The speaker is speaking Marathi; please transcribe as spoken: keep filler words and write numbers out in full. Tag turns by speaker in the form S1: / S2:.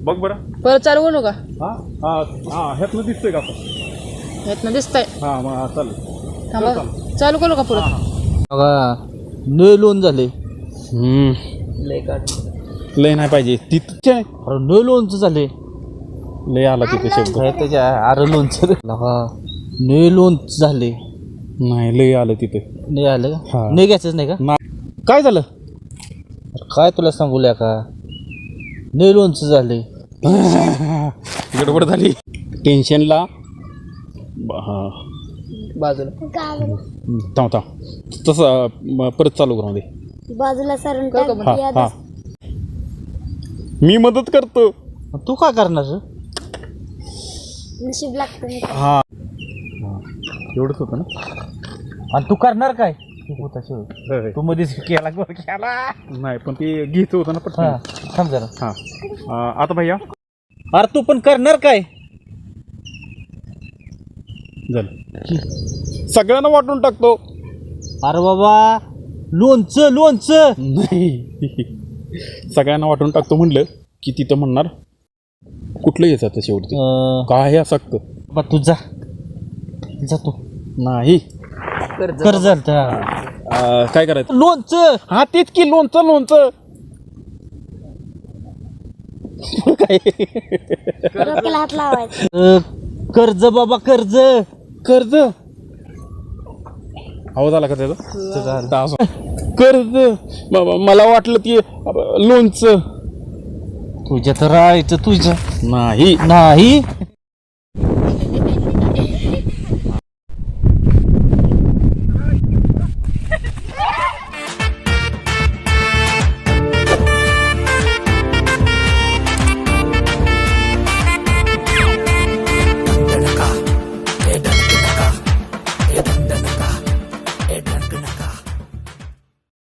S1: बघ बरं.
S2: परत चालू करू का?
S1: हा हा हा ह्यातनं दिसतंय का आपण?
S2: ह्यातनं दिसतंय.
S1: हा मग चालेल.
S2: थांबा चालू करू का परत?
S3: बघा न लोन झाले.
S1: हम्म
S2: लय काढ
S1: लय नाही पाहिजे तिथे
S3: अरे न लोनचं झाले.
S1: लय आला तिथे शब्द.
S3: काय त्याच्या अरे लोनचं बघा न लोनच झाले.
S1: नाही लय आलं तिथे.
S3: नाही आलं
S1: हा.
S3: का? नाही घ्यायचंच नाही का?
S1: ना- काय झालं?
S3: अरे काय तुला सांगूया का न लोनचं झाले.
S1: गडबड झाली टेन्शनला. हा
S2: बाजूला
S1: थांब थांब तसं म, परत चालू करू दे.
S4: बाजूला सरून
S2: करू का
S4: टाक,
S2: बंद?
S4: याद
S1: हा
S4: असतं.
S1: मी मदत करतो.
S3: तू काय करणार रे?
S4: नशीब लागतं नाही का?
S1: हा एवढंच होतं ना.
S3: आणि तू करणार काय? तू होता शिव.
S1: होय.
S3: तू मध्येच केला गोल केला.
S1: नाही पण ते घ्यायचं होतं ना
S3: हा
S1: पटकन.
S3: थांब जरा.
S1: हा अं, आता भैया
S3: अरे तू पण करणार काय?
S1: झालं सगळ्यांना वाटून टाकतो.
S3: अरे बाबा लोणचं लोणचं.
S1: नाही सगळ्यांना वाटून टाकतो म्हणलं की तिथं म्हणणार कुठलं घ्यायचं आता शेवटी
S3: अं,
S1: काय असं
S3: बा तू जा जा तू
S1: नाही.
S3: कर झालं
S1: अं, काय करायचं?
S3: लोणचं.
S1: हा तेच की लोणचं लोणचं काय
S4: डोक्याला हात लावायचा.
S3: अं, कर्ज बाबा कर्ज.
S1: कर्ज आवाज आला का त्याचा? तास. कर्ज बाबा मला वाटलं की लोणचं.
S3: तुझ्या तर राहायचं तुझ्या
S1: नाही
S3: नाही